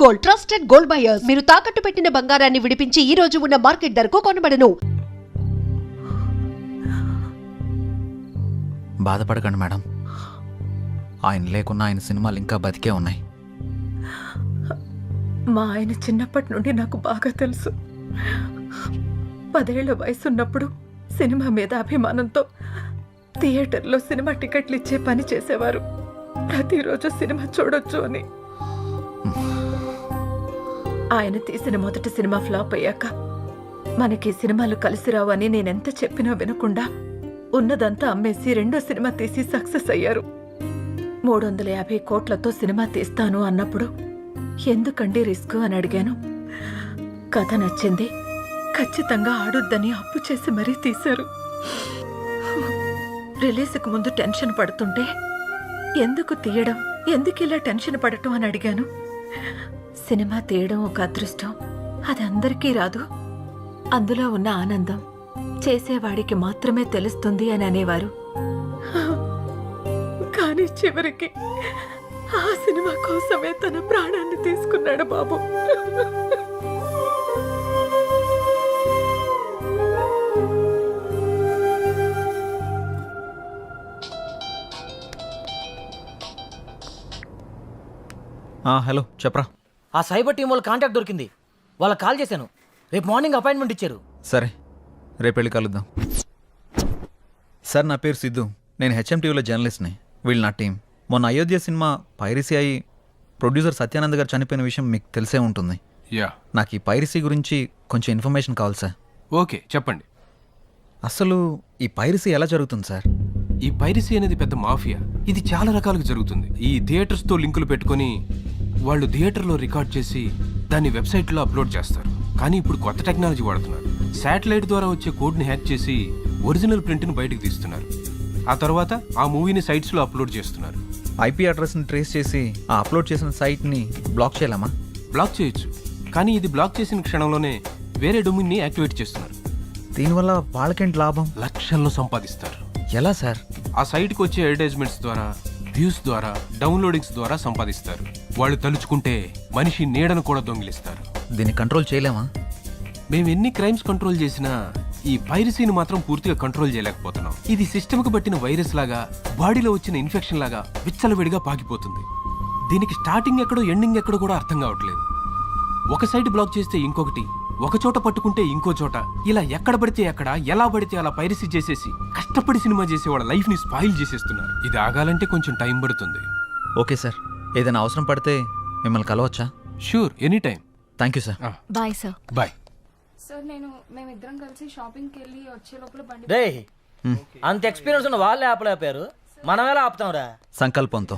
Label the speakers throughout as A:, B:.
A: Gold, trusted gold buyers. మీరు తాకట్టు పెట్టిన బంగారాన్ని విడిపించి ఈ రోజు ఉన్న మార్కెట్ ధరకు కొనబడను.
B: బాధపడకండి మేడం, ఆయన లేకున్నా ఆయన సినిమాలు ఇంకా బతికే ఉన్నాయి.
C: మా ఆయన చిన్నప్పటి నుండి నాకు బాగా తెలుసు. 10 ఏళ్ల వయసున్నప్పుడు సినిమా మీద అభిమానంతో థియేటర్లో సినిమా టికెట్లు ఇచ్చే పని చేసేవారు. ప్రతిరోజు సినిమా చూడొచ్చు అని. ఆయన తీసిన మొదటి సినిమా ఫ్లాప్ అయ్యాక మనకి సినిమాలు కలిసి రావు అని నేనెంత చెప్పినా వినకుండా ఉన్నదంతా అమ్మేసి రెండో సినిమా తీసి సక్సెస్ అయ్యారు. 350 కోట్లతో సినిమా తీస్తాను అన్నప్పుడు ఎందుకండి రిస్క్ అని అడిగాను. కథ నచ్చింది, ఖచ్చితంగా ఆడొద్దని అప్పు చేసి మరీ తీశారు. రిలీజ్కి ముందు టెన్షన్ పడుతుంటే ఎందుకు తీయడం, ఎందుకు ఇలా టెన్షన్ పడటం అని అడిగాను. సినిమా తీయడం ఒక అదృష్టం, అది అందరికీ రాదు. అందులో ఉన్న ఆనందం చేసేవాడికి మాత్రమే తెలుస్తుంది అని అనేవారు. కానీ చివరికి ఆ సినిమా కోసమే తన ప్రాణాన్ని తీసుకున్నాడు బాబు.
B: హలో చెప్పరా.
D: ఆ సైబర్ టీం వాళ్ళ కాంటాక్ట్ దొరికింది. వాళ్ళకి కాల్ చేశాను. రేపు మార్నింగ్ అపాయింట్మెంట్ ఇచ్చారు.
B: సరే, రేపు వెళ్ళి కలుద్దాం. సార్, నా పేరు సిద్ధు. నేను హెచ్ఎంటీవీలో జర్నలిస్ట్ని. వీళ్ళు నా టీం. మొన్న అయోధ్య సినిమా పైరసీ అయి ప్రొడ్యూసర్ సత్యానంద్ గారు చనిపోయిన విషయం మీకు తెలిసే ఉంటుంది. నాకు ఈ పైరసీ గురించి కొంచెం ఇన్ఫర్మేషన్ కావాలి సార్.
E: ఓకే, చెప్పండి.
B: అసలు ఈ పైరసీ ఎలా జరుగుతుంది సార్?
E: ఈ పైరసీ అనేది పెద్ద మాఫియా. ఇది చాలా రకాలుగా జరుగుతుంది. ఈ థియేటర్స్తో లింకులు పెట్టుకొని వాళ్ళు థియేటర్లో రికార్డ్ చేసి దాన్ని వెబ్సైట్లో అప్లోడ్ చేస్తారు. కానీ ఇప్పుడు కొత్త టెక్నాలజీ వాడుతున్నారు. శాటిలైట్ ద్వారా వచ్చే కోడ్ని హ్యాక్ చేసి ఒరిజినల్ ప్రింట్ని బయటకు తీస్తున్నారు. ఆ తర్వాత ఆ మూవీని సైట్స్లో అప్లోడ్ చేస్తున్నారు.
B: ఐపీ అడ్రస్ని ట్రేస్ చేసి ఆ అప్లోడ్ చేసిన సైట్ని బ్లాక్ చేయలేమా?
E: బ్లాక్ చేయొచ్చు, కానీ ఇది బ్లాక్ చేసిన క్షణంలోనే వేరే డొమైన్ని యాక్టివేట్ చేస్తున్నారు.
B: దీనివల్ల వాళ్ళకేంటి లాభం?
E: లక్షల్లో సంపాదిస్తారు.
B: ఎలా సార్?
E: ఆ సైట్కి వచ్చే అడ్వర్టైజ్మెంట్స్ ద్వారా, వ్యూస్ ద్వారా, డౌన్లోడింగ్స్ ద్వారా సంపాదిస్తారు. వాళ్ళు తలుచుకుంటే మనిషి నీడను కూడా దొంగిలిస్తారు.
B: దీన్ని కంట్రోల్ చేయలేమా?
E: మేము ఎన్ని క్రైమ్స్ కంట్రోల్ చేసినా ఈ పైరసీని మాత్రం పూర్తిగా కంట్రోల్ చేయలేకపోతున్నాం. ఇది సిస్టమ్కి పట్టిన వైరస్ లాగా, బాడీలో వచ్చిన ఇన్ఫెక్షన్ లాగా విచ్చలవిడిగా పాకిపోతుంది. దీనికి స్టార్టింగ్ ఎక్కడో ఎండింగ్ ఎక్కడో కూడా అర్థం కావట్లేదు. ఒక సైట్ బ్లాక్ చేస్తే ఇంకొకటి, ఒక చోట పట్టుకుంటే ఇంకో చోట, ఇలా ఎక్కడ పడితే ఎక్కడ, ఎలా పడితే అలా పైరసీ చేసేసి కష్టపడి సినిమా చేసే వాళ్ళ లైఫ్ ని స్పాయిల్ చేసేస్తున్నారు. ఇది ఆగాలంటే కొంచెం టైం పడుతుంది.
B: ఓకే సార్, ఏదైనా అవసరం పడితే మిమ్మల్ని కలవచ్చా?
E: Sure, any time.
B: Thank you sir.
F: Bye sir.
E: Bye
G: sir. మేమిద్దరం కలిసి షాపింగ్కి వెళ్ళి వచ్చే లోపల బండి.
D: రే, అంత ఎక్స్పీరియన్స్ ఉన్న వాళ్ళే ఆపలేపారు, మనం ఎలా ఆపుతాంరా?
B: సంకల్పంతో.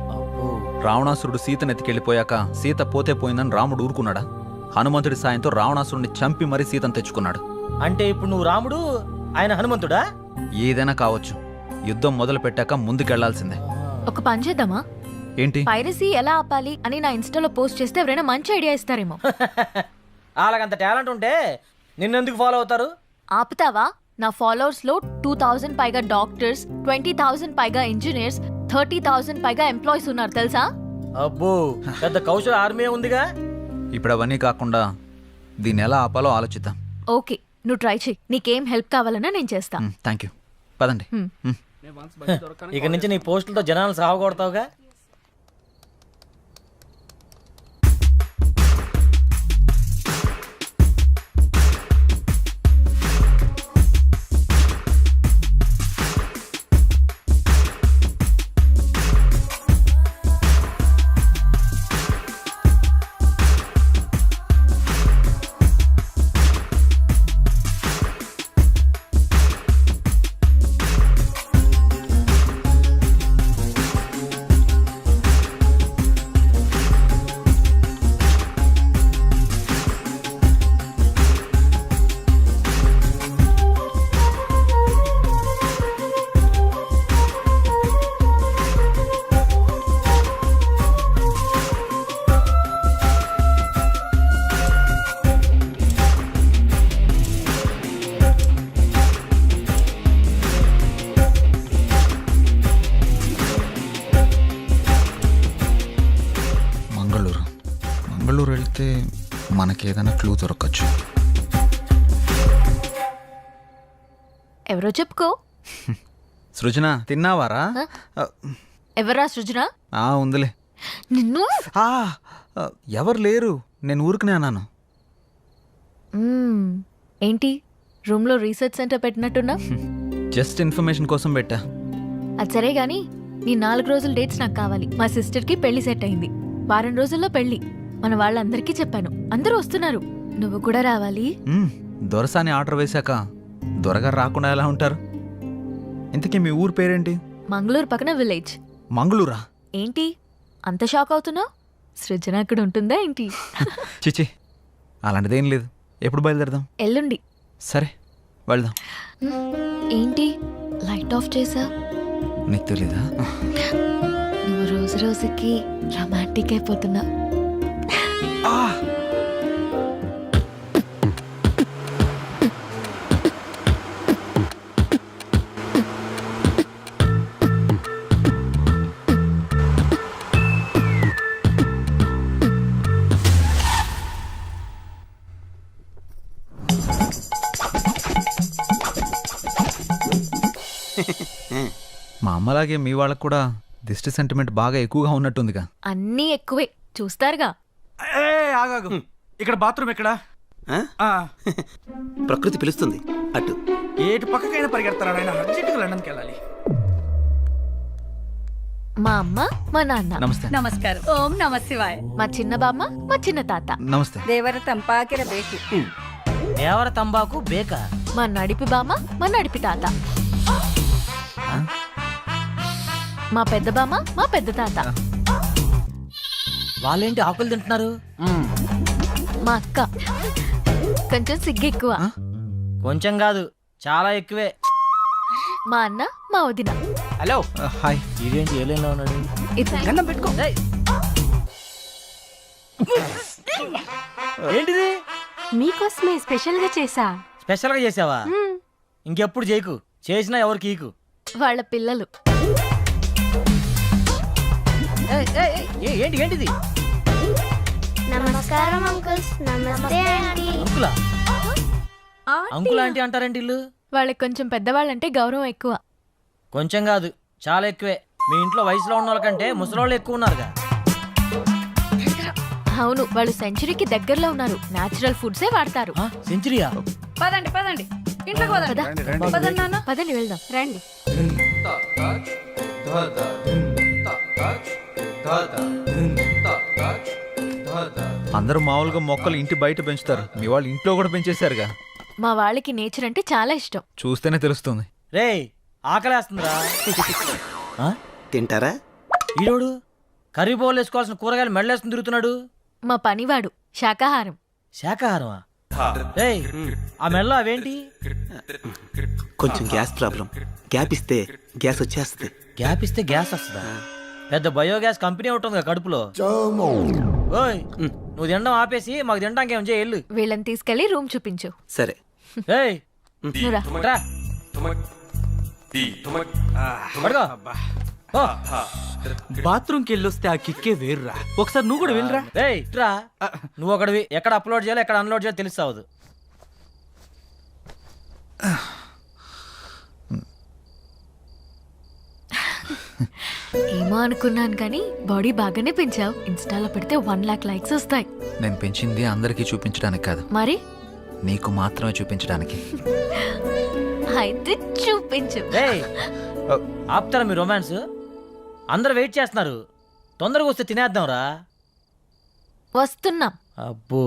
B: రావణాసురుడు సీతను ఎత్తికెళ్ళిపోయాక సీత పోతే పోయిందని రాముడు ఊరుకున్నాడా? హనుమంతుడి సాయంతో రావణాసురుడిని చంపి మరీ సీతను తెచ్చుకున్నాడు.
D: అంటే ఇప్పుడు నువ్వు రాముడు, ఆయన హనుమంతుడా?
B: ఏదైనా కావచ్చు, యుద్ధం మొదలు పెట్టాక ముందుకెళ్లాల్సిందే.
F: ఒక పని చేద్దామా?
B: ఏంటి?
F: పైరసీ ఎలా ఆపాలి అని నా ఇన్స్టాలో పోస్ట్ చేస్తే ఎవరైనా మంచి ఐడియా ఇస్తారేమో.
D: వాళ్ళకంత టాలెంట్ ఉంటే నిన్నెందుకు ఫాలో అవుతారు?
F: ఆపుతావా? నా ఫాలోవర్స్ లో 2000 పైగా డాక్టర్స్, 20,000 పైగా ఇంజనీర్స్, 30,000 పైగా ఎంప్లాయీస్ ఉన్నారు తెలుసా?
D: అబ్బో, పెద్ద కౌశల ఆర్మీ ఉందిగా.
B: ఇప్పుడు అవన్నీ కాకుండా దీన్ని ఎలా ఆపాలో ఆలోచిద్దాం.
F: ఓకే, నువ్వు ట్రై చెయ్యి. నీకేం హెల్ప్ కావాలన్నా నేను చేస్తా.
B: Thank you. పదండి.
D: ఇక నుంచి నీ పోస్టులతో జనాలు సాగొడతావుగా.
B: మంగళూరు వెళ్తే మనకి ఏదైనా క్లూ దొరకచ్చు.
F: ఎవరో చెప్పుకో.
B: సృజన తిన్నావారా?
F: ఎవరా సృజన?
B: ఉందిలే.
F: నిన్ను
B: ఆ, ఎవరు లేరు, నేను ఊరుకునే అన్నాను.
F: ఏంటి రూమ్లో రీసెర్చ్ సెంటర్ పెట్టినట్టున్నా?
B: జస్ట్ ఇన్ఫర్మేషన్ కోసం పెట్టా.
F: అది సరే గాని నీ 4 రోజుల డేట్స్ నాకు కావాలి. మా సిస్టర్కి పెళ్లి సెట్ అయింది. వారం రోజుల్లో పెళ్లి. మన వాళ్ళందరికీ చెప్పాను, అందరూ వస్తున్నారు. నువ్వు కూడా రావాలి.
B: దొరసాని ఆర్డర్ వేశాక దొరగారు రాకుండా ఎలా ఉంటారు? ఇంతకీ మీ ఊరు పేరేంటి?
F: మంగళూరు పక్కన విలేజ్.
B: మంగళూరా?
F: ఏంటి అంత షాక్ అవుతున్నావు? సృజన అక్కడ ఉంటుందా ఏంటి?
B: చిచి, అలాంటిదేం లేదు. ఎప్పుడు బయలుదేరదాం?
F: ఎల్లుండి.
B: సరే వెళ్దాం.
F: ఏంటి లైట్ ఆఫ్ చేసా?
B: నీకు తెలీదా?
F: నువ్వు రోజు రోజుకి రొమాంటిక్ అయిపోతున్నా.
B: మా అమ్మలాగే మీ వాళ్ళకు కూడా దిష్టి సెంటిమెంట్ బాగా ఎక్కువగా ఉన్నట్టుందిగా.
F: అన్నీ ఎక్కువే చూస్తారుగా.
H: ఆగాగు, ఇక్కడ బాత్రూమ్ ఎక్కడా?
I: ప్రకృతి పిలుస్తుంది అటు.
H: ఏటు పక్కకైనా పరిగెడతారా ఆయన? అర్జెంటుగా లండన్కి వెళ్ళాలి.
F: మా అమ్మ మా నాన్న.
B: నమస్తే.
J: ನಮಸ್ಕಾರ. ಓಂ ನಮ ಶಿವಾಯ.
F: మా చిన్న బామ్మ మా చిన్న తాత.
B: నమస్తే.
J: ದೇವರ ತಂಪಾಕಿರಬೇಕು.
D: దేవర తంబాకు బేక.
F: మా నడిపి బామ్మ మా నడిపి తాత. మా పెద్ద బామ్మ మా పెద్ద తాత.
D: వాళ్ళేంటి ఆకులు తింటున్నారు?
F: మా అక్క కొంచెం సిగ్గు ఎక్కువ.
D: కొంచెం కాదు, చాలా ఎక్కువే.
F: మా అన్న మా వదిన.
D: హలో.
B: హాయ్.
D: ఇదేంటి ఏలైనా ఉన్నాడు?
J: గన్నం పెట్టుకో.
D: ఏంటిది?
J: మీకోసమే స్పెషల్ గా చేసా.
D: స్పెషల్ గా చేసావా? ఇంకెప్పుడు చేయకు, చేసినా ఎవరికి ఈకు.
F: వాళ్ళ పిల్లలు.
D: ఏంటి ఏంటిది?
K: నమస్కారం అంకుల్స్. నమస్తే ఆంటీ.
D: అంకులా? అంకుల్ ఆంటీ అంటారేంటి ఇల్లు?
F: వాళ్ళకి కొంచెం పెద్దవాళ్ళంటే గౌరవం ఎక్కువ.
D: కొంచెం కాదు, చాలా ఎక్కువే. మీ ఇంట్లో వయసులో ఉన్న వాళ్ళకంటే ముసలోళ్ళు ఎక్కువ ఉన్నారుగా.
F: అవును, వాళ్ళు సెంచరీకి దగ్గరలో ఉన్నారు. నేచురల్ ఫుడ్సే వాడతారు.
D: సెంచరీయా?
J: పదండి పదండి, ఇంట్లోకి పదండి. పదండి నాన్న.
F: పదండి వెళ్దాం.
J: రండి.
B: అందరూ మామూలుగా మొక్కలు ఇంటి బయట పెంచుతారు, మీ వాళ్ళు ఇంట్లో కూడా పెంచేశారుగా.
F: మా వాళ్ళకి నేచర్ అంటే చాలా ఇష్టం.
B: చూస్తేనే తెలుస్తుంది.
D: రేయ్, ఆకలేస్తుందిరా.
I: తింటారా?
D: ఈరోడు కర్రీ బౌల్ వేసుకోవాల్సిన కూరగాయలు మెడలేసుకుని తిరుగుతున్నాడు.
F: మా పనివాడు శాకాహారం.
D: శాకాహారమా? రేయ్, ఆ మెడలో అవేంటి?
I: కొంచెం గ్యాస్ ప్రాబ్లం. గ్యాప్ ఇస్తే గ్యాస్ వచ్చేస్తుంది.
D: గ్యాప్ ఇస్తే గ్యాస్ వస్తుందా? పెద్ద బయోగ్యాస్ కంపెనీ ఉంటుంది కడుపులో. ఓయ్, నువ్వు తినడం ఆపేసి మాకు తినడానికి ఏం చేయి.
F: వీళ్ళని తీసుకెళ్లి రూమ్ చూపించు.
I: సరే.
D: ఏయ్,
F: నువ్వురా.
D: రా. పడుకో. ఓ.
H: బాత్రూమ్కి వెళ్ళొస్తే ఆ కిక్కే వేరురా. ఒకసారి నువ్వు కూడా వెళ్ళరా.
D: రేయ్, రా. నువ్వు ఒకటివి ఎక్కడ అప్లోడ్ చేయాలో ఎక్కడ అన్లోడ్ చేయాలో తెలుస్తావు.
F: ఏమో అనుకున్నాను కానీ బాడీ బాగానే పెంచావు. ఇన్స్టాలో పెడితే 1 lakh లైక్స్ వస్తాయి.
B: నేను పెంచింది అందరికీ చూపించడానికి కాదు,
F: మరి
B: నీకు మాత్రమే చూపించడానికి.
F: అయితే చూపించు.
D: రేయ్, ఆపుతారా మీ రొమాన్స్? అందరు వెయిట్ చేస్తున్నారు, తొందరగా వస్తే తినేద్దాంరా.
F: వస్తున్నాం.
D: అబ్బో.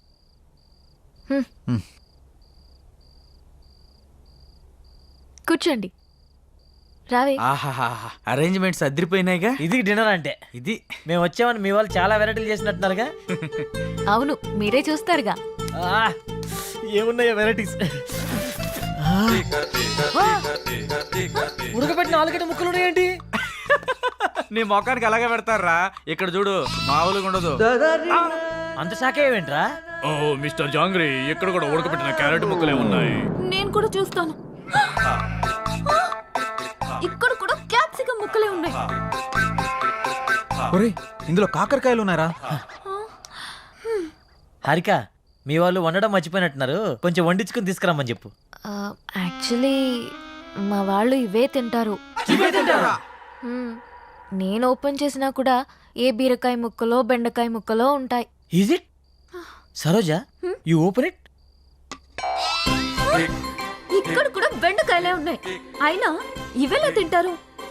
F: కూర్చోండి. రావే.
H: ఆహాహా, అరేంజ్మెంట్స్ అదిరిపోయినాయిగా.
D: ఇది డిన్నర్ అంటే.
H: ఇది
D: మేము వచ్చామని మీ వాళ్ళు చాలా వెరైటీలు చేసినట్టున్నారుగా.
F: అవును, మీరే చూస్తారుగా.
D: ఏమున్నాయో వెరైటీస్. ఉడకబెట్టిన ఆలుగడ్డ ముక్కలు ఉన్నాయేంటి?
H: నీ మొఖానికి అలాగే పెడతారా. ఇక్కడ చూడు, మామూలుగా ఉండదు.
D: అంత శాఖ ఏమేంట్రా?
L: ఓ మిస్టర్ జాంగ్రీ, ఇక్కడ కూడా ఉడకబెట్టిన క్యారెట్ ముక్కలే ఉన్నాయి.
C: నేను కూడా చూస్తాను. ఇక్కడ కూడా క్యాప్సికం ముక్కలే ఉన్నాయి.
B: ఒరేయ్, ఇందులో కాకరకాయలు ఉన్నారా?
D: హారిక మీ వాళ్ళు వండడం మర్చిపోయినట్టున్నారు, కొంచెం వండించుకుని తీసుకురమ్మని చెప్పు.
F: యాక్చువల్లీ మా వాళ్ళు ఇవే తింటారు. మ్మ్. నేను ఓపెన్ చేసినా కూడా ఏ బీరకాయ ముక్కలో బెండకాయ ముక్కలో ఉంటాయి.
D: Is it Saroja, you open it.
C: ఇక్కడ కూడా బెండకాయలే ఉన్నాయి, అయినా ఇవెలా తింటారు?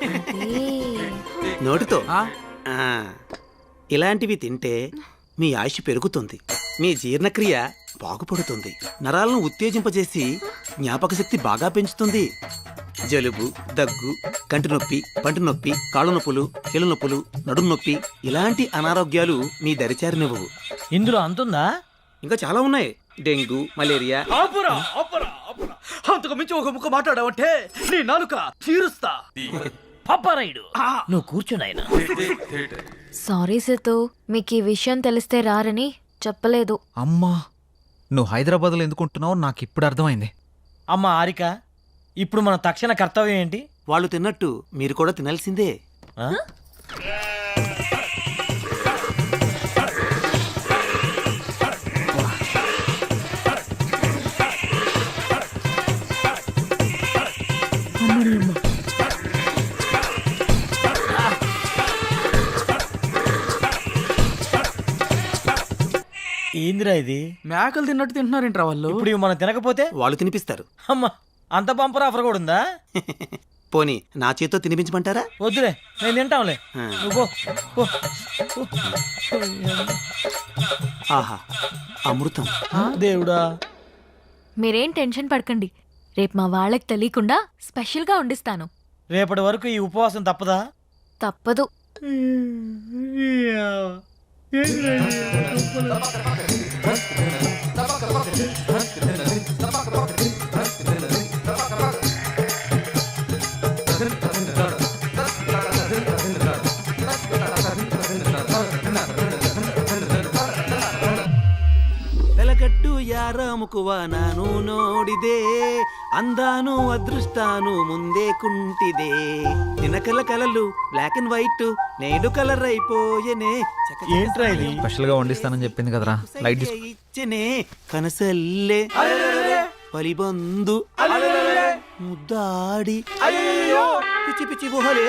I: నోటితో ఇలాంటివి తింటే మీ ఆయుష్ పెరుగుతుంది, మీ జీర్ణక్రియ బాగుపడుతుంది, నరాలను ఉత్తేజింపజేసి జ్ఞాపక శక్తి బాగా పెంచుతుంది. జలుబు, దగ్గు, కంటి నొప్పి, పంటి నొప్పి, కాళ్ళ నొప్పులు, కీళ్ళ నొప్పులు, నడుము నొప్పి ఇలాంటి అనారోగ్యాలు మీ దరిచారినివ్వవు.
D: ఇందులో అంతుందా?
I: ఇంకా చాలా ఉన్నాయి. Dengue, malaria.
L: ఆపురా ఆపురా ఆపురా, అంతకు మించి ఒక ముక్క మాట్లాడావంటే నీ నాలుక తీరుస్తా.
D: పప్పారాయుడు, నువ్వు కూర్చున్నాయన.
F: సారీ సితు, మీకు ఈ విషయం తెలిస్తే రారని చెప్పలేదు.
B: అమ్మా, నువ్వు హైదరాబాద్లో ఎందుకుంటున్నావు నాకు ఇప్పుడు అర్థమైంది.
D: అమ్మ హారిక, ఇప్పుడు మన తక్షణ కర్తవ్యం ఏంటి?
I: వాళ్ళు తిన్నట్టు మీరు కూడా తినాల్సిందే.
D: ఆ? ఏందిరా ఇది?
H: మేకలు తిన్నట్టు తింటున్నారేంట్రా వాళ్ళు?
D: ఇప్పుడు ఇవి మనం తినకపోతే
I: వాళ్ళు తినిపిస్తారు.
D: అమ్మ, అంత బంపర్ ఆఫర్ కూడా ఉందా?
I: పోనీ నా చేత్తో తినిపించమంటారా?
D: వద్దులే, నేను తింటాంలే.
I: ఆ.
D: నువ్వు పో, పో.
I: ఆహా, అమృతం.
D: దేవుడా.
F: మీరేం టెన్షన్ పడకండి, రేపు మా వాళ్ళకి తెలియకుండా స్పెషల్గా వండిస్తాను.
D: రేపటి వరకు ఈ ఉపవాసం తప్పదా?
F: తప్పదు.
I: వెలగట్టు యారాముకువ ನಾನು ನೋಡಿದೆ అందాను అదృష్టాను ముందే కుంటిదే నినకల కలలు బ్లాక్ అండ్ వైట్ నేడు కలర్ అయిపోయనే
D: ఏంట్రా ఇది?
B: స్పెషల్గా వండిస్తానని చెప్పింది కదరా, లైట్ తీసుకో.
I: ఇచ్చనే కనసల్లే పలిబందు ముద్దాడి పిచ్చి పిచ్చి గుహలే.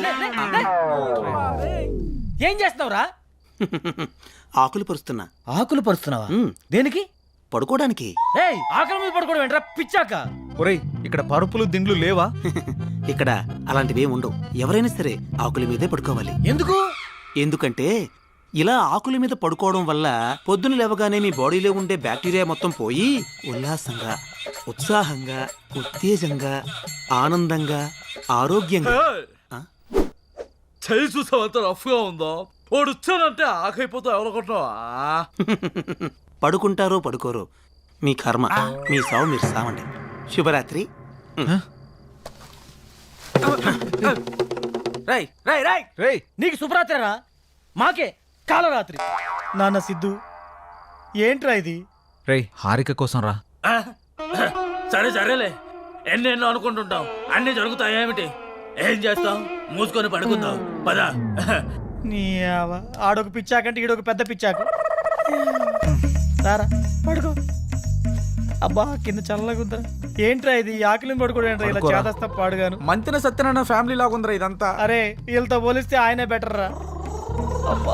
D: ఏం చేస్తున్నావురా?
I: ఆకులు పరుస్తున్నా.
D: ఆకులు పరుస్తున్నావా?
I: ఉమ్,
D: దేనికి?
I: పడుకోవడానికి.
D: ఏయ్, ఆకలి మీద పడుకోవడం ఏంట్రా పిచ్చాక?
B: ఒరేయ్, ఇక్కడ పరుపులు దిండ్లు లేవా?
I: ఇక్కడ అలాంటివి ఉండవు. ఎవరైనా సరే ఆకుల మీదే పడుకోవాలి.
D: ఎందుకు?
I: ఎందుకంటే ఇలా ఆకుల మీద పడుకోవడం వల్ల పొద్దున లేవగానే మీ బాడీలో ఉండే బ్యాక్టీరియా మొత్తం పోయి ఉల్లాసంగా, ఉత్సాహంగా, ఉత్తేజంగా, ఆనందంగా, ఆరోగ్యంగా. ఆ?
L: చేయి చూసావు ఎంత రఫ్ గా ఉందో. వాడు వచ్చానంటే ఆకైపోతా ఎవరనుకుంటున్నావా?
I: పడుకుంటారో పడుకోరో మీ కర్మ, మీ సావు మీరు సావండి. శుభరాత్రి.
D: రై రై రై
B: రేయ్,
D: నీకు శుభరాత్రిరా, మాకే కాలరాత్రి. నాన్న సిద్ధు, ఏంట్రా ఇది?
B: రేయ్, హారిక కోసం రా.
L: సరే సరేలే, ఎన్నెన్నో అనుకుంటుంటాం, అన్ని జరుగుతాయేమిటి? ఏం చేస్తాం? మూసుకొని పడుకుందాం పదా.
D: నీ ఆడొక పిచ్చాకంటే ఈడొక పెద్ద పిచ్చాకు. రారా పడుకో. అబ్బా, కింద చల్లగా ఉందా? ఏంట్రా ఇది? ఆకలిని పడుకోవడం ఏంట్రా ఇలా
B: పడుకోరా.
D: చేదస్తా పాడుగాను.
H: మంతిన సత్యనారాయణ ఫ్యామిలీ లాగా ఉందిరా ఇదంతా.
D: అరే, వీళ్ళతో పోలిస్తే ఆయనే బెటర్ రా. అబ్బా,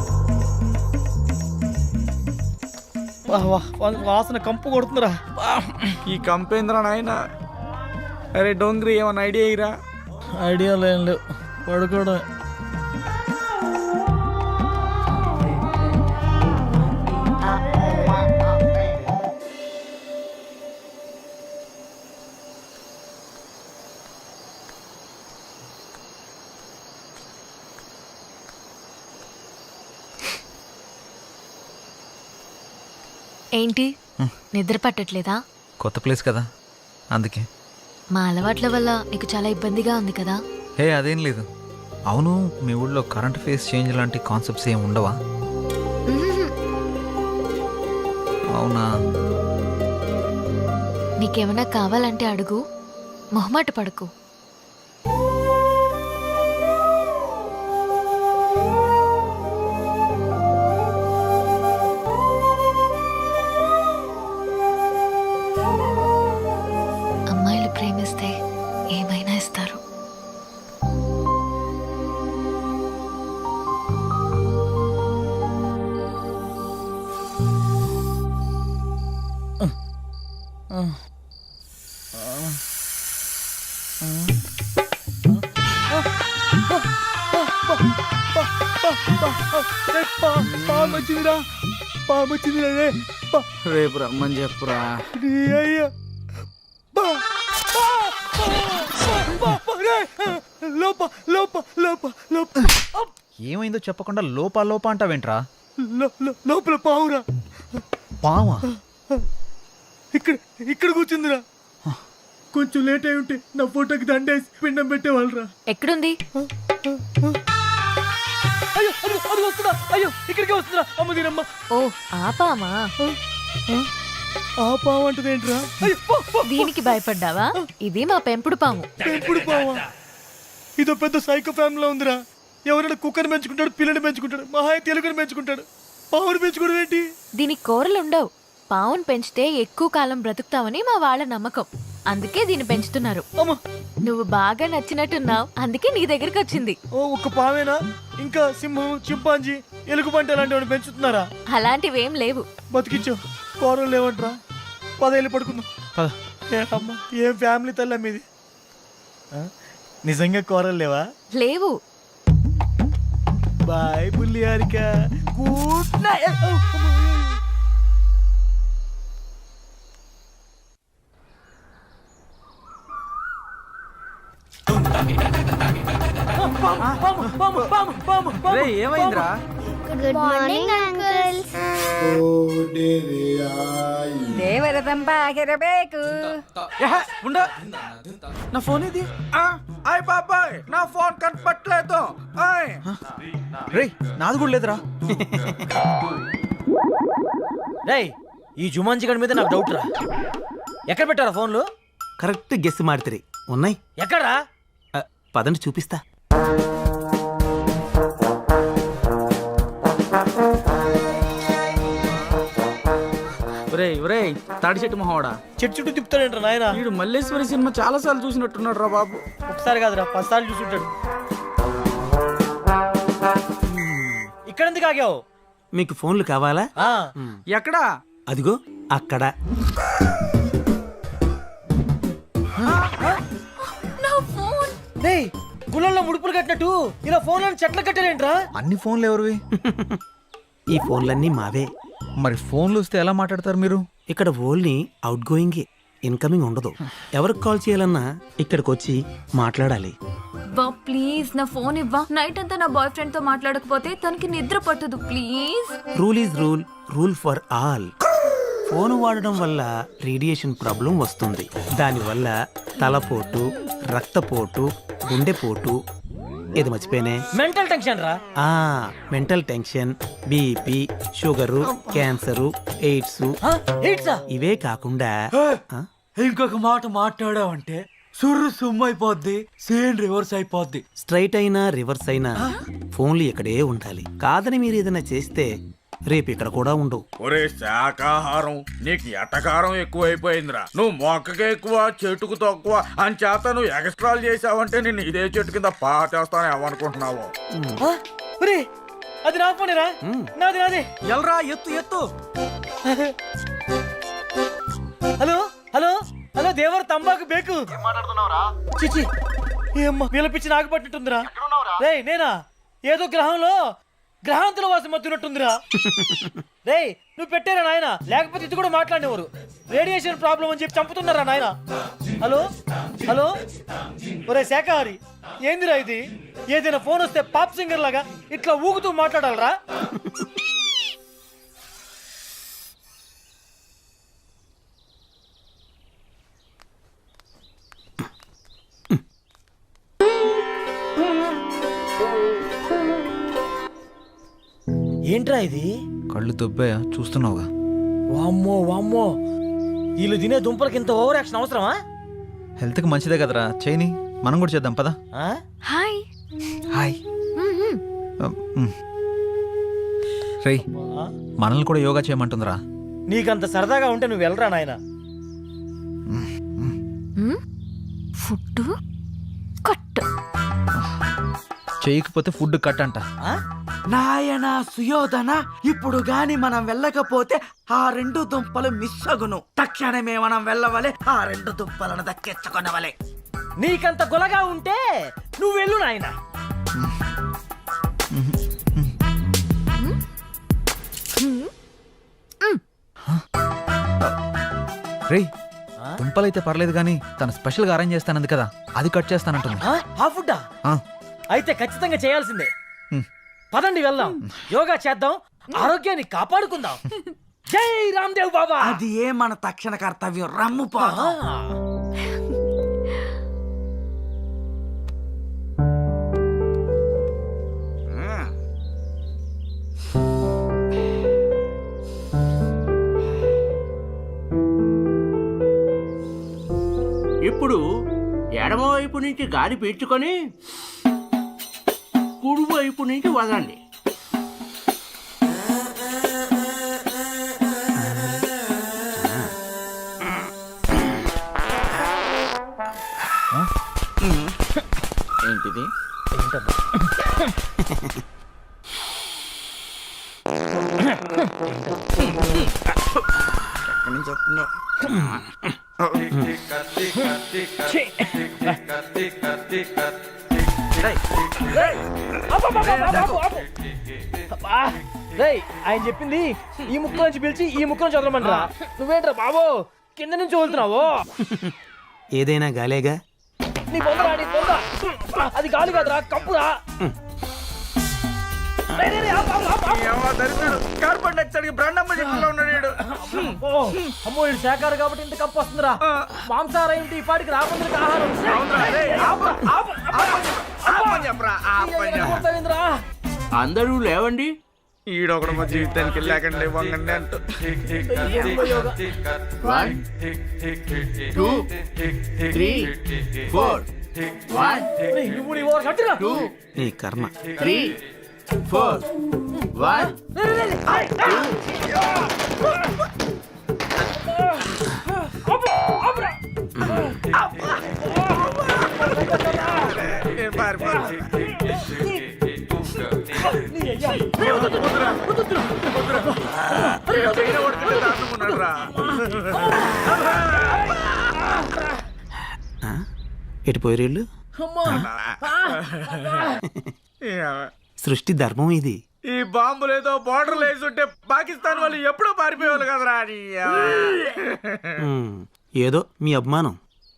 D: వాసన కంపు కొడుతుందిరా.
H: ఈ కంపేంద్ర నాయన. అరే డోంగ్రీ, ఏమన్నా ఐడియా ఇరా?
D: ఐడియా లేం లేవు, పడుకోవడం.
F: ఏంటి, నిద్ర పట్టట్లేదా?
B: కొత్త ప్లేస్ కదా, అందుకే.
F: మా అలవాట్ల వల్ల నీకు చాలా ఇబ్బందిగా ఉంది కదా?
B: హే, అదేం లేదు. అవును, మీ ఊళ్ళో కరెంట్ ఫేస్ చేంజ్ లాంటి కాన్సెప్ట్స్ ఏం ఉండవా?
F: మ్మ్.
B: అవునా?
F: నీకేమైనా కావాలంటే అడుగు, మొహమాట పడకు.
D: పాము వచ్చింది రే.
H: రేపు రమ్మని చెప్పురా.
D: నీ అయ్యా. బా, బా, బా, బా, రే. లోప లోప లోప లోప.
B: ఏమైందో చెప్పకుండా లోపా లోపా అంటావేంట్రా?
D: లోపల పావురా.
B: పావా?
D: ఇక్కడ ఇక్కడ కూర్చుందిరా. కొంచెం లేట్ అయి ఉంటే నా ఫోటోకి దండేసి పిండం పెట్టేవాళ్ళరా.
F: ఎక్కడుంది?
D: అయ్యో అది అది వస్తుందా? అయ్యో ఇక్కడికే వస్తుందా? అమ్మ దీనమ్మ.
F: ఓ ఆపామా?
D: ఆ పాము అంటదేంట్రా? అయ్యో పో, పో.
F: దీనికి భయపడ్డావా? ఇది మా పెంపుడు పాము.
D: పెంపుడు పావా? ఇదో పెద్ద సైకో ఫ్యామిలీలో ఉందిరా. ఎవరైనా కుక్కని పెంచుకుంటాడు, పిల్లని పెంచుకుంటాడు, మహా తెలుగుని పెంచుకుంటాడు. పావుని పెంచుకోవడం ఏంటి?
F: దీనికి కూరలు ఉండవు. పావును పెంచితే ఎక్కువ కాలం బ్రతుకుతావని మా వాళ్ళ నమ్మకం. అందుకే దీన్ని పెంచుతున్నారు.
D: అమ్మ
F: నువ్వు బాగా నచ్చినట్టున్నావు, అందుకే నీ దగ్గరికి వచ్చింది.
D: ఓ ఒక్క పావేనా? ఇంకా సింహం, చింపాంజీ, ఎలుగుబంటి అలాంటివి పెంచుతున్నారా?
F: అలాంటివేం లేవు.
D: బతికిచ్చావు. కూరలు లేవంట్రా. 10 ఏళ్ళు పడుకుందాం. ఏ అమ్మ ఏం ఫ్యామిలీ తల్లి మీది. నిజంగా కూరలు లేవా?
F: లేవు.
D: బాయ్ బుల్లి హారిక. Good night.
H: రే ఏమైందిరా?
K: Good morning uncles.
J: ದೇವರ ತಂಪಾಗಿರಬೇಕು.
H: ఉండ. నా ఫోన్ ఇది. అయ్ బాబాయ్ నా ఫోన్ కనపట్లేదు.
B: రే నాది కూడా లేదురా.
D: రేయ్ ఈ జుమాన్జీ గడి మీద నాకు డౌట్ రా. ఎక్కడ పెట్టారా ఫోన్లు?
I: కరెక్ట్ గెస్ మాడితే ఉన్నాయి.
D: ఎక్కడా?
I: పదండి చూపిస్తా.
H: ఒరేయ్ తాడి చెట్టు మొహోడా,
D: చెట్టు చుట్టూ తిప్పుతాడంట నాయన.
H: వీడు మల్లేశ్వరి సినిమా చాలా సార్లు చూసినట్టున్నాడు రా బాబు.
D: ఒకసారి కాదురా 10 సార్లు చూసుంటాడు. ఇక్కడ ఎందుకు ఆగావు?
I: మీకు ఫోన్లు కావాలా?
H: ఎక్కడా?
I: అదిగో అక్కడ.
D: గుళ్ళల్లో ముడుపులు కట్టినట్టు ఇలా ఫోన్లను చెట్లు కట్టారేంట్రా?
B: అన్ని ఫోన్లు ఎవరివి?
I: ఈ ఫోన్లన్నీ మావే.
B: మరి ఫోన్లు వస్తే ఎలా మాట్లాడతారు మీరు?
I: ఇక్కడ ఓన్లీ అవుట్ గోయింగ్, ఇన్కమింగ్ ఉండదు. ఎవరికి కాల్ చేయాలన్నా ఇక్కడికి వచ్చి మాట్లాడాలి.
F: ప్లీజ్ నా ఫోన్ ఇవ్వా. నైట్ అంతా నా బాయ్ ఫ్రెండ్ తో మాట్లాడకపోతే తనకి నిద్ర పట్టదు. Please.
I: Rule is rule, rule for all. Phone వాడడం వల్ల రేడియేషన్ ప్రాబ్లం వస్తుంది. దానివల్ల తలపోటు, రక్తపోటు, గుండెపోటు, ఏది మర్చిపోయినే,
D: మెంటల్ టెన్షన్ రా.
I: Mental tension, BP, sugar, cancer, AIDS. ఇవే కాకుండా
L: ఇంకొక మాట మాట్లాడావంటే సుర్రు సుమ్మైపోద్ది, సేన్ రివర్స్ అయిపోద్ది.
I: స్ట్రైట్ అయినా రివర్స్ అయినా ఫోన్లు ఇక్కడే ఉండాలి. కాదని మీరు ఏదైనా చేస్తే రేపు ఇక్కడ కూడా ఉండవు.
L: ఒరే శాకాహారం నీకు ఎటకారం ఎక్కువైపోయిందిరా. నువ్వు మొక్కకి ఎక్కువ చెట్టుకు తక్కువ అని చేత నువ్వు ఎక్స్ట్రాలు చేసావంటే నేను ఇదే చెట్టు కింద పాటేస్తాను ఏమనుకుంటున్నావు?
D: అది నా ఫోనేరా? నాది నాది.
H: ఎల్రా ఎత్తు ఎత్తు.
D: హలో హలో హలో దేవర తంబాకు బేకు. చిచి ఏమ్మా వీళ్ళ పిచ్చి నాకు పట్టినట్టుందిరా. రేయ్ నేనా? ఏదో గ్రహంలో గ్రహాంతుల వాసం మత్తున్నట్టుందిరా. రేయ్ నువ్వు పెట్టారా నాయన? లేకపోతే ఇది కూడా మాట్లాడేవారు. రేడియేషన్ ప్రాబ్లం అని చెప్పి చంపుతున్నారా నాయన? హలో హలో ఒరే శాఖాహారి ఏందిరా ఇది? ఏదైనా ఫోన్ వస్తే పాప్ సింగర్ లాగా ఇట్లా ఊగుతూ మాట్లాడాలరా? ఏంట్రా ఇది?
B: కళ్ళు దొబ్బాయా? చూస్తున్నావుగా.
D: వామ్మో వామ్మో వీళ్ళు తినే దుంపలకి ఇంత ఓవర్ యాక్షన్ అవసరమా?
B: హెల్త్కి మంచిదే కదరా, చేయని. మనం కూడా చేద్దాం పదా.
F: హాయ్.
B: హాయ్. రేయ్ మనల్ని కూడా యోగా చేయమంటుందిరా.
D: నీకంత సరదాగా ఉంటే నువ్వు వెళ్ళరా నాయన.
F: Food cut.
B: చేయకపోతే ఫుడ్ కట్ అంట.
H: నాయనా సుయోధన, ఇప్పుడు గాని మనం వెళ్ళకపోతే ఆ 2 దుంపలు మిస్ అగును. తక్షణమే మనం వెళ్ళవలే, ఆ 2 దుంపలను దక్కించుకొనవలే.
D: నీకంత గొలగా ఉంటే నువ్వు వెళ్ళు నాయన.
B: రే దుంపలైతే పర్లేదు కానీ తను స్పెషల్గా అరేంజ్ చేస్తానంది కదా అది కట్ చేస్తానంటుంది.
D: ఆ ఫుడ్డా?
B: ఆ,
D: అయితే ఖచ్చితంగా చేయాల్సిందే.
B: హ్మ్.
D: పదండి వెళ్దాం, యోగా చేద్దాం, ఆరోగ్యాన్ని కాపాడుకుందాం. జై రామ్దేవ్ బాబా.
H: అది ఏ మన తక్షణ కర్తవ్యం. రమ్ము పా.
I: ఇప్పుడు ఎడమవైపు నుంచి గాలి పీల్చుకొని కుడివైపు నుంచి వదండి. ఏంటిది? ఎక్కడి నుంచి వస్తుందో?
D: ఆయన చెప్పింది ఈ ముక్క నుంచి పిలిచి ఈ ముక్క నుంచి వదలమంటారా? నువ్వేంట్రా బాబు కింద నుంచి వదులుతున్నావు?
I: ఏదైనా గాలేగా.
D: నీ పొందరా, నీ పొంద. అది గాలి కాదురా, కప్పురా.
L: కార్బన్ డైఆక్సైడ్ బ్రాండమ్మ చెట్టులో ఉన్నాడు.
D: అమ్మో ఇది శాఖారు కాబట్టి ఇంత కప్పు వస్తుందిరా. మాంసాహారం ఏంటి ఈ పాటికి రాబందులకు ఆహారం.
I: అందరూ లేవండి.
L: ఈడొకడు మా జీవితానికి లేకండి వంగండి అంటూ.
I: 1 2 3 4 1 2 నీ కర్మ. 3 4 1 ఎటు పోయేళ్ళు? సృష్టి ధర్మం ఇది.
L: ఈ బాంబులు ఏదో బార్డర్ వేసుంటే పాకిస్తాన్ వాళ్ళు ఎప్పుడో పారిపోయేవాళ్ళు కదరా అని.
I: ఏదో మీ అభిమానం.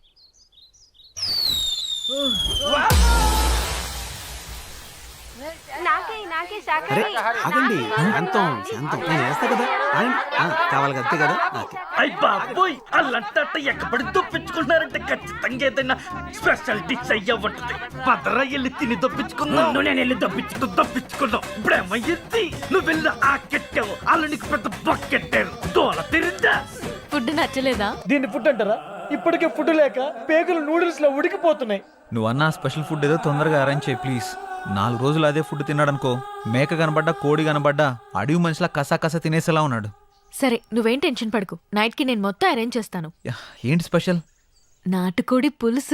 I: అరే ఆగండి, శాంతం శాంతం. నేను వేస్తా కదా, కావాలి అంతే కదా.
D: అయ్ బాబోయ్ అల్లంటే ఎక్కబడి దొప్పించుకుంటున్నారంటే ఖచ్చితంగా ఏదైనా స్పెషల్ డిష్ అయ్యా ఉంటుంది. పదరా వెళ్ళి తిని దొప్పించుకున్నావు, నేను వెళ్ళి దొప్పించుకున్నావు. ఇప్పుడేమయ్యింది? నువ్వు వెళ్ళి ఆ కెట్టావు, వాళ్ళు నీకు పెద్ద బొక్కెట్టారు. దోల తిరిందా?
F: ఫుడ్ నచ్చలేదా?
D: దీన్ని ఫుడ్ అంటారా? ఇప్పటికే ఫుడ్ లేక పేగులు నూడిల్స్ లో ఉడికిపోతున్నాయి.
B: నువ్వు అన్న స్పెషల్ ఫుడ్ ఏదో తొందరగా అరేంజ్ చేయి ప్లీజ్. 4 రోజులు అదే ఫుడ్ తిన్నాడనుకో, మేక కనబడ్డా కోడి కనబడ్డా అడవి మనిషిలా కసా తినేసేలా ఉన్నాడు.
F: సరే నువ్వేం టెన్షన్ పడకు, నైట్ కి నేను మొత్తం అరేంజ్ చేస్తాను.
B: ఏంటి స్పెషల్?
F: నాటుకోడి పులుసు,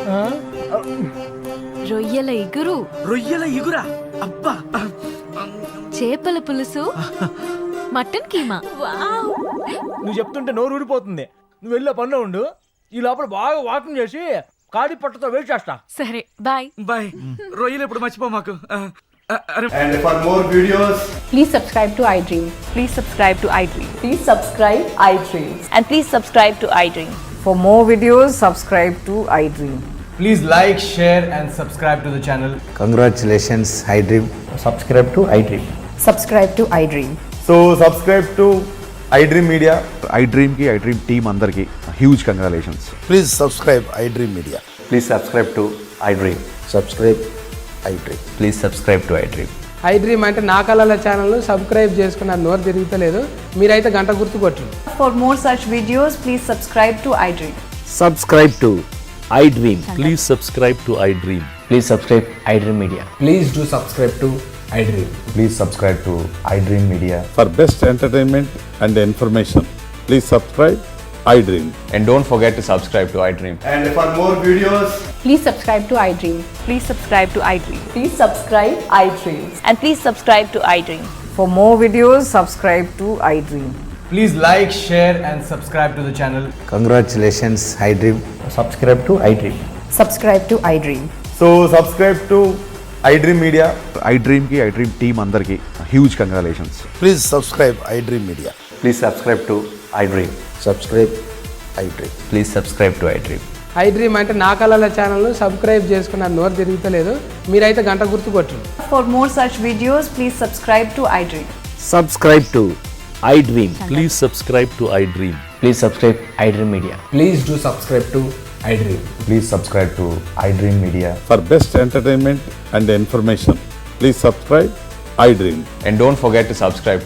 F: రొయ్యల ఇగురు,
H: రొయ్యల ఇగురా? అబ్బా.
F: చేపల పులుసు, మటన్ కీమా.
D: నువ్వు చెప్తుంటే నోరు ఊడిపోతుంది. నువ్వు వెళ్ళే పనిలో ఉండు, ఈ లోపల బాగా వాకింగ్ చేసి కాడి పట్టుతో వెయిట్ చేస్తా.
F: సరే బాయ్.
H: బాయ్. రొయ్యలు ఎప్పుడు మర్చిపో మాకు.
L: And for more videos,
J: Please subscribe to iDream. Please subscribe to iDream. Please subscribe iDream. And please subscribe to iDream. For more videos, subscribe to iDream.
D: Please like, share and subscribe to the channel.
M: Congratulations, iDream.
D: Subscribe to iDream.
J: Subscribe to iDream.
L: so subscribe to iDream Media.
M: iDream ki iDream team andarki huge congratulations.
L: Please subscribe iDream Media.
M: Please subscribe to iDream.
L: Subscribe iDream.
M: Please subscribe to iDream.
N: iDream అంటే నా కళల channel subscribe చేసుకున్న నోరు తిరుగుతలేదు. మీరైతే గంట గుర్తు కొట్టండి.
J: For more such videos, please subscribe to iDream.
M: Subscribe to iDream. Please subscribe to iDream. Please subscribe iDream Media.
N: Please do subscribe to iDream.
M: Please subscribe to iDream Media.
L: For best entertainment and information, please subscribe iDream.
M: And don't forget to subscribe to iDream.
L: And for more videos,
J: Please subscribe to iDream. Please subscribe to iDream. Please subscribe iDream. And please subscribe to iDream. For more videos, subscribe to iDream.
D: Please like, share and subscribe to the channel.
M: Congratulations, iDream.
D: Subscribe to iDream.
J: Subscribe to iDream.
L: so subscribe to iDream media, ఐ డ్రీమ్కి iDream team అందరికి huge congratulations.
H: Please subscribe iDream media.
M: Please subscribe to iDream.
H: Subscribe iDream.
M: Please subscribe to iDream.
N: IDream అంటే నా కళల ఛానల్ను subscribe చేసుకున్న నోరు తిరుగుతలేదు, మీరైతే గంట గుర్తు కొట్టండి.
J: For more such videos, please subscribe to iDream.
M: Subscribe to I Dream. Please subscribe to I Dream. Please subscribe I Dream Media.
N: Please do subscribe to iDream.
L: Please subscribe to iDream media for best entertainment and information. Please subscribe iDream.
M: And don't forget to subscribe